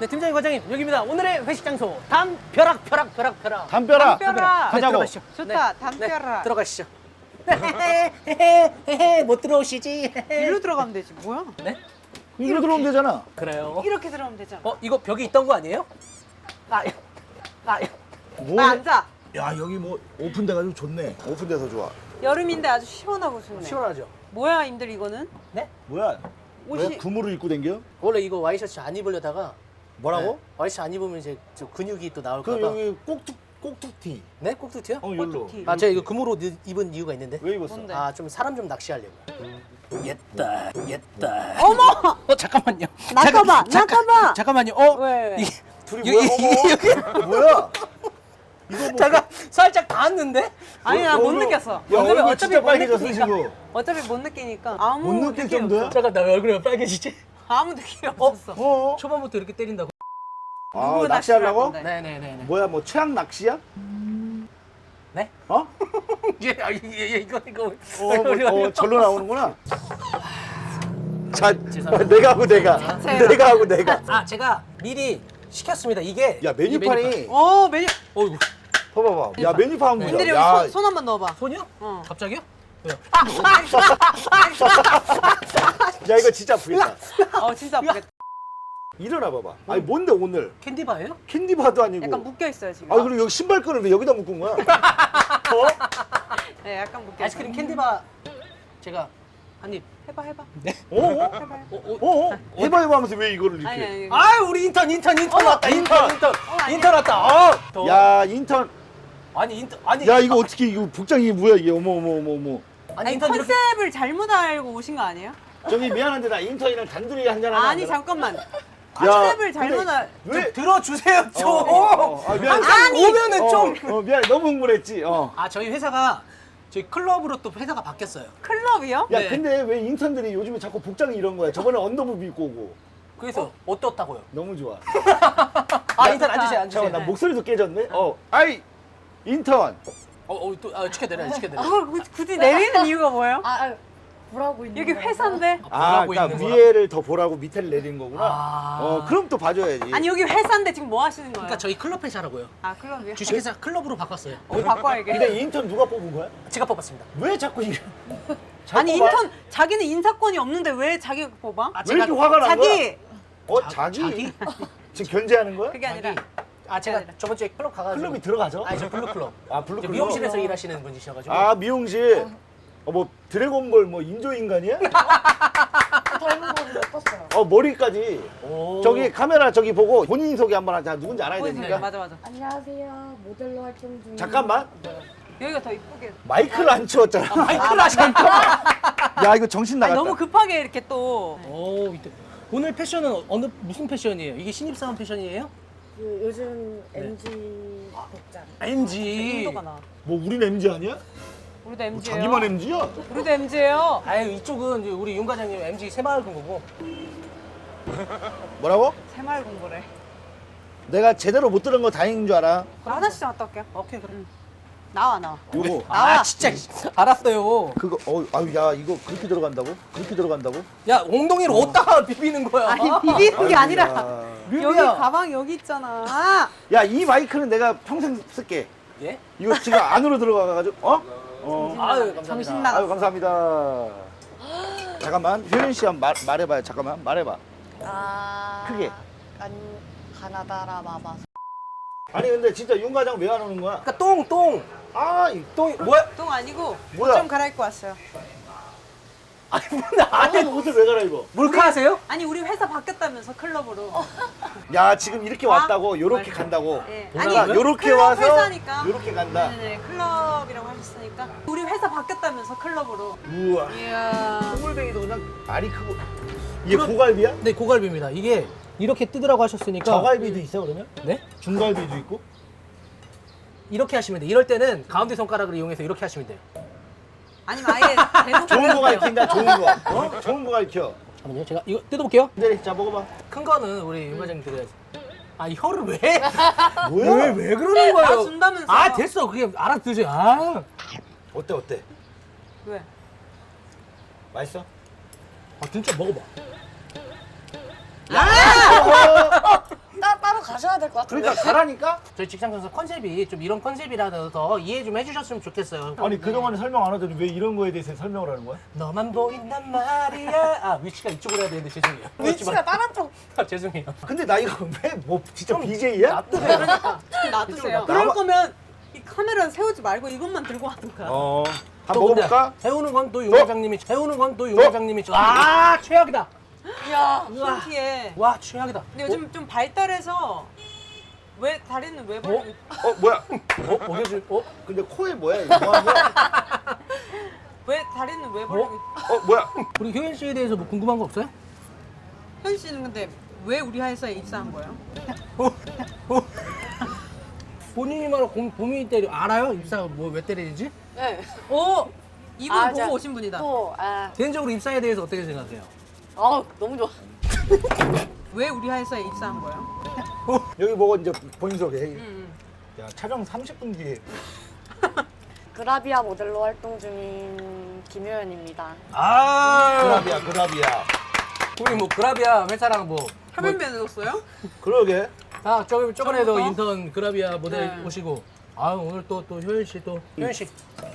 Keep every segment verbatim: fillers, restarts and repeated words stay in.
네, 팀장님, 과장님, 여기입니다. 오늘의 회식 장소 담벼락, 벼락, 벼락, 벼락. 담벼락. 담벼락. 가자고. 들어가시죠. 좋다, 네, 담벼락. 네, 들어가시죠. 헤헤헤헤, 못 들어오시지. 일로 들어가면 되지. 뭐야? 네? 이리로 들어오면 되잖아. 그래요. 이렇게 들어가면 되잖아. 어, 이거 벽에 있던 거 아니에요? 아, 아, 뭐? 나 앉아. 야 여기 뭐 오픈돼가지고 좋네. 오픈돼서 좋아. 여름인데 아주 시원하고 좋네. 시원하죠? 뭐야, 임들 이거는? 네? 뭐야? 옷이- 왜 구무를 입고 댕겨? 원래 이거 와이셔츠 안 입으려다가 뭐라고? 네, 와이셔츠 안 입으면 이제 저 근육이 또 나올까 그 봐. 여기 꼭툭 꼭툭티. 네? 꼭두티요? 어 여기로. 꼭두티. 아, 제가 이거 금으로 느- 입은 이유가 있는데. 왜 입었어? 뭔데? 아, 좀 사람 좀 낚시하려고. 옛다, 옛다. 어머! 어, 잠깐만요. 나가봐, 잠깐, 나가봐. 잠깐만요. 어, 왜, 왜? 이게 둘이 여기, 뭐야? 여기, 어머. 뭐야? 이거 뭐? 잠깐 살짝 닿았는데? 아니, 나 못 얼굴- 느꼈어. 야 얼굴이 얼굴 어차피 진짜 못 빨개졌어 느끼니까. 지금. 어차피 못 느끼니까 아무 못 느낄 느낌 정도야? 없어. 잠깐 나 왜 얼굴이 왜 빨개지지? 아무 느낌 없었어. 어? 초반부터 이렇게 때린다고? 아 누구 낚시하려고? 낚시를 할 건데? 네네네. 뭐야 뭐 최악 낚시야? 네? 어? 예, 아, 예, 예, 이거 이거. 어, 뭐, 어 절로 나오는구나. 자, 죄송합니다. 내가 하고 내가, 제가. 내가 하고 내가. 아, 제가 미리 시켰습니다. 이게 야 이 메뉴판이 어, 메뉴. 어이구. 봐봐봐. 야 메뉴판 한번 임들 보자. 여기 야, 손, 손 한번 넣어봐. 손이요? 어. 갑자기요? 왜요? 야 이거 진짜 아프겠다. 어, 진짜 아프겠다. 일어나 봐봐. 아니 뭔데 오늘 캔디바예요? 캔디바도 아니고. 약간 묶여 있어요 지금. 아 그리고 여기 신발끈을 왜 여기다 묶은 거야? 어? 네, 약간 묶여. 아이스크림 캔디바 제가 한 입. 해봐, 해봐. 네? 어? 어? 해봐. 어, 어, 어? 어? 해봐 해봐 하면서 왜 이거를 이렇게? 아니, 아니. 아, 우리 인턴 인턴 인턴 왔다. 인턴 인턴. 인턴. 아니야. 인턴 왔다. 어. 더. 야 인턴. 아니 인턴 아니 야 이거 어떻게 이거 복장이 뭐야 이게? 어머 어머 어머 어머. 아니 아니, 인턴 이렇게 컨셉을 잘못 알고 오신 거 아니에요? 저기 미안한데 나 인턴이랑 단둘이 한잔 하면 안 아니, 되나? 잠깐만. 야, 컨셉을 잘못 근데 알. 왜? 들어주세요 좀. 어, 어, 어. 아, 미안해. 항상 오면은 어, 좀. 어, 미안해 너무 흥분했지. 어. 아, 저희 회사가 저희 클럽으로 또 회사가 바뀌었어요. 클럽이요? 야 네. 근데 왜 인턴들이 요즘에 자꾸 복장이 이런 거야? 저번에 언더부비 입고 오고. 그래서 어? 떻다고요 너무 좋아. 아, 인턴 앉으세요, 앉으세요. 잠깐만 나 목소리도 깨졌네. 어. 아이 인턴. 어, 어, 또 아, 치켜내려, 치켜내려. 그걸 굳이- 굳이 내리는 이유가 뭐예요? 아, 아 뭐라고 있는 여기 거야? 회사인데. 아, 보라고 그러니까 있는 거라? 위에를 더 보라고 밑에를 내린 거구나. 아. 어, 그럼 또 봐줘야지. 아니, 여기 회사인데 지금 뭐 하시는 거예요? 그러니까 저희 클럽 회사라고요. 아, 클럽이요? 주식회사 클럽으로 바꿨어요. 어, 바꿔야겠. 근데 인턴 누가 뽑은 거야? 제가 뽑았습니다. 왜 자꾸 이래? 아니, 뽑아? 인턴 자기는 인사권이 없는데 왜 자기가 뽑아? 아, 왜 이렇게 화가 난 거야? 자기. 어, 자- 자기? 자기? 지금 견제하는 거야? 그게 아니라. 아, 제가 아니라. 저번 주에 클럽 가가지고. 클럽이 들어가죠? 아니, 저 블루클럽. 아, 블루클럽? 이제 미용실에서 일하시는 분이셔가지고. 아, 미용실. 어, 뭐 드래곤볼 뭐 인조 인간이야? 닮은 거는 못 봤어요. 어, 머리까지. 오. 저기 카메라 저기 보고 본인 소개 한번 하자. 누군지 알아야 보여주세요. 되니까. 맞아, 맞아. 안녕하세요. 모델로 활동 중인 잠깐만. 여기가 더 이쁘게. 마이크를 안 치웠잖아. 마이크를 하셨다. 야, 이거 정신 아니, 나갔다. 너무 급하게 이렇게 또. 오, 이때. 오늘 패션은 어느 무슨 패션이에요? 이게 신입사원 패션이에요? 그 요즘 엠지 복장. 엠지. 인도가 나. 뭐 우린 엠지 아니야? 우리도 엠지예요. 자기만 엠지야? 우리도 엠지예요. 아유, 이쪽은 이제 우리 윤 과장님 엠지 새마을 금고고. 뭐라고? 새마을 공부래. 내가 제대로 못 들은 거 다행인 줄 알아. 나 화장실 좀 갔다 올게요. 오케이, 그래. 나와, 나와. 요거. 나와. 아, 진짜 알았어요. 그거 어 아유 야 이거 그렇게 들어간다고? 그렇게 들어간다고? 야, 엉덩이를 어디다가 비비는 거야? 아니, 비비는 게 아니라. 아이고야. 여기 뮤비야. 가방 여기 있잖아. 야, 이 마이크는 내가 평생 쓸게. 예? 이거 지금 안으로 들어가가지고 어? 어. 아유, 감사합니다. 정신 나가. 아유 감사합니다. 잠깐만 효린 씨 한번 말, 말해봐요. 잠깐만 말해봐. 아. 크게. 간 가나다라 마마. 아니 근데 진짜 윤 과장 왜 안 오는 거야? 그러니까 똥, 똥. 아, 이- 똥이 뭐야? 똥 아니고 뭐야? 옷 좀 갈아입고 왔어요. 아니, 근데 아니 아니, 옷을 왜 갈아입어? 몰카 하세요? 아니, 우리 회사 바뀌었다면서 클럽으로. 야 지금 이렇게 왔다고 요렇게 맞아. 간다고. 예. 그러니까 아니, 요렇게 클럽 와서 회사니까. 요렇게 간다. 네네, 클럽이라고 하셨으니까. 우리 회사 바뀌었다면서 클럽으로. 우와. 이야. 똥물뱅이도 그냥 알이 크고. 이게 고갈비야? 네, 고갈비입니다. 이게 이렇게 뜨더라고 하셨으니까. 저갈비도 있어 그러면? 네? 중갈비도 있고? 이렇게 하시면 돼. 이럴 때는 가운데 손가락을 이용해서 이렇게 하시면 돼요. 아니면 아예 대놓고 좋은 거 해도 돼요. 가르친다 좋은 거. 어? 좋은 거 가르쳐. 잠깐만요. 제가 이거 뜯어볼게요. 네, 자 먹어봐. 큰 거는 우리 윤 과장님 드려야지. 아, 이 혀를 왜? 뭐야? 왜, 왜 그러는 거예요? 아, 준다면서. 아, 됐어. 그게 알아듣지. 아. 어때 어때? 왜? 맛있어? 아, 진짜 먹어봐. 야! 가셔야 될 것 같은데. 그러니까 가라니까? 저희 직장 선수 컨셉이 좀 이런 컨셉이라서 이해 좀 해주셨으면 좋겠어요. 아니 그동안에 설명 안 하더니 왜 이런 거에 대해서 설명을 하는 거야? 너만 보인단 말이야. 아 위치가 이쪽으로 해야 되는데 죄송해요. 위치가 다른 쪽. 아, 죄송해요. 근데 나 이거 왜 뭐 진짜 비제이야? 놔두세요. 놔두세요. 나와- 그럴 거면 이 카메라 세우지 말고 이것만 들고 하든가. 어. 또 한번 먹어볼까? 근데 해오는 건 또 윤과장님이 해오는 건 또 윤과장님이 아 최악이다. 이야. 신기해. 와 최악이다. 근데 요즘 좀 발달해서 왜 다리는 왜 벌려? 어 뭐야? 어 먹여줄 어 근데 코에 뭐야? 이거 뭐 하는 거야? 왜 다리는 왜 벌려? 어 뭐야? 우리 효연 씨에 대해서 뭐 궁금한 거 없어요? 현 씨는 근데 왜 우리 회사에 입사한 거예요? 어? 어? 본인이 말하고 본인이 때려 알아요? 입사 뭐 왜 때리는지? 네. 오 이분 아, 보고 자, 오신 분이다. 또 아, 개인적으로 입사에 대해서 어떻게 생각해요? 아 너무 좋아. 왜 우리 회사에 입사한 거예요? 여기 보고 이제 본인 소개. 음. 야 촬영 삼십 분 뒤에 그라비아 모델로 활동 중인 김효연입니다. 아 그라비야 그라비야. 우리 뭐 그라비아 회사랑 뭐 화면 맺었어요? 그러게. 아, 저기 저번에도 처음부터? 인턴 그라비아 모델 네. 오시고 아 오늘 또 또 효연 씨 또 효연 씨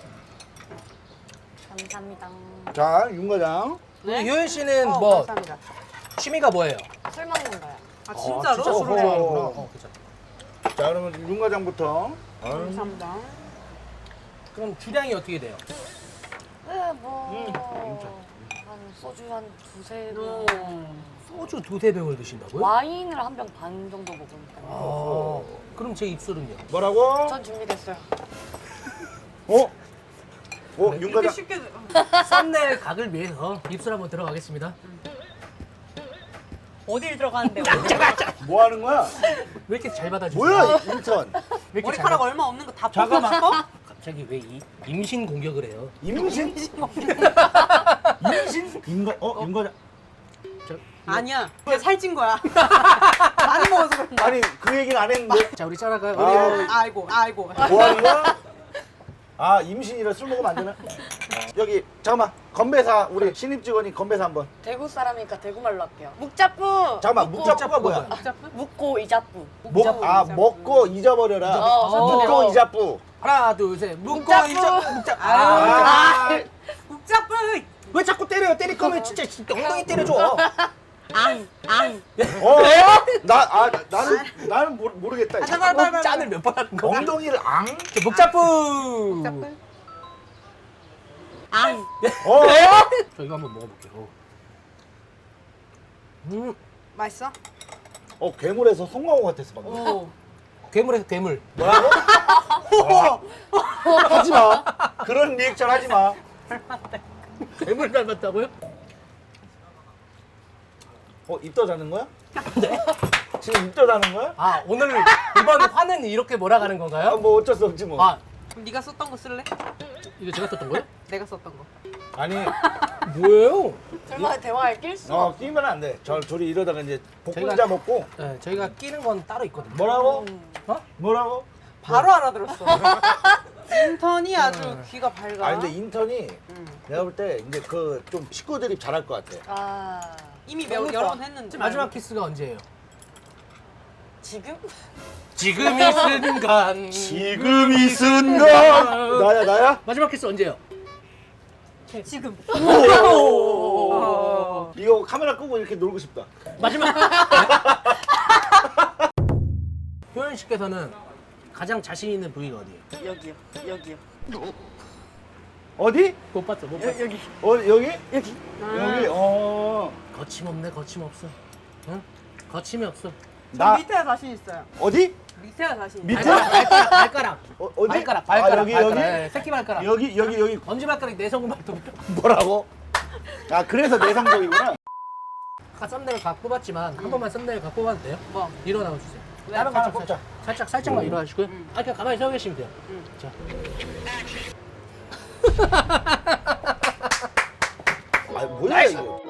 감사합니다. 자, 윤 과장. 우리 효연 씨는 어, 뭐 감사합니다. 취미가 뭐예요? 술 먹는 거야. 아 진짜로? 진짜 술을 어허. 좋아하는구나. 어, 그쵸. 자, 그러면 윤 과장부터. 감사합니다. 그럼 주량이 어떻게 돼요? 네, 뭐. 한 소주 한 두세 오. 병. 소주 두세 병을 드신다고요? 와인을 한 병 반 정도 먹으니까. 아, 그럼 제 입술은요? 뭐라고? 전 준비됐어요. 어? 어, 윤 이렇게 과장. 쉽게 썸네일 각을 위해서 입술 한번 들어가겠습니다. 어딜 들어가는데 뭐 하는 거야? 왜 이렇게 잘 받아주세요? 뭐야, 인턴. 왜 이렇게 잘 머리카락 받... 얼마 없는 거 다 잠깐만. 뽑고 싶어? 갑자기 왜 이, 임신 공격을 해요? 임신? 임신? 윤과 어? 윤 과장 저, 아니야. 그냥 살찐 거야. 많이 먹어서 그런 거야. 아니, 그 얘기는 안 했는데. 자 우리 짜라가 아. 우리 아이고, 아이고. 뭐 하는 거야? 아 임신이라 술 먹으면 안 되나? 여기, 잠깐만. 건배사, 우리 신입 직원이 건배사 한 번. 대구 사람이니까 대구 말로 할게요. 묵자뿌. 잠깐만, 묵고, 묵자꾸가 뭐야? 묵자꾸가 복잡해? 묵고 이자뿌. 먹, 아, 먹고 잊어버려라. 어, 묵고 어. 잊자뿌. 하나 둘셋 묶고 묵자꾸. 이자 묵자 아유, 아, 복잡해. 왜 자꾸 때려요? 때릴 거면 진짜, 진짜 엉덩이 때려줘. 앙, 앙. 어? 나, 아, 나는, 나는 모르, 모르겠다. 아, 잠깐만, 빨리, 빨리. 짠을 몇 번 하는 거야? 엉덩이를 앙? 목자뿌. 복잡해. 앙. 어? 저 이거 한번 먹어볼게요. 음, 맛있어? 어, 괴물에서 송강호 같았어, 방금. 오. 괴물에서 괴물. 뭐라고? 하지 마. 그런 리액션 하지 마. 괴물 닮았다고요? 어, 입더 자는 거야? 네? 지금 입더 자는 거야? 아 오늘 이번 화는 이렇게 몰아가는 아, 건가요? 뭐 어쩔 수 없지 뭐. 아 그럼 네가 썼던 거 쓸래? 이거 제가 썼던 거예요? 내가 썼던 거. 아니, 뭐예요? 설마 대화에 낄 수? 어, 끼면 안 돼. 저, 둘이 이러다가 이제 복분자 저희가- 먹고. 네, 저희가 끼는 건 따로 있거든요. 뭐라고? 어? 뭐라고? 바로 알아들었어. 인턴이 아주 귀가 밝아. 아, 근데 인턴이 음. 내가 볼 때 이제 그 좀 식구 드립 잘할 것 같아. 아 이미 너무 몇, 여러 좋아. 번 했는데. 마지막 키스가 언제예요? 지금? 지금 이 순간. 지금 이 순간. 나야, 나야? 마지막 키스 언제예요? 지금. 오. 이거 카메라 끄고 이렇게 놀고 싶다. 마지막. 효연 씨께서는 가장 자신 있는 부위가 어디예요? 여기요. 여기요. 어디? 못 봤어, 못 봤어. 여, 여기. 어, 여기? 여기. 여기? 어. 거침없네, 거침없어. 응? 거침이 없어. 나, 밑에가 자신 있어요. 어디? 밑에가 자신 있어요. 밑에? 발가락, 발가락, 발가락. 어, 어디? 발가락, 발가락, 아, 여기, 발가락. 여기? 네, 새끼 발가락. 여기, 여기, 여기. 엄지 발가락, 내성근 발톱. 뭐라고? 아, 그래서 내상적이구나. 아까 썸네일 각 뽑았지만 한 번만 썸네일 각 뽑아도 돼요? 뭐? 일어나고 주세요. 왜? 다른 하나 거 뽑자. 살짝, 살짝, 살짝만 일어나시고요. 음. 아, 그냥 가만히 서 계시면 돼요. 음. 자. 아, 뭐야, 이거.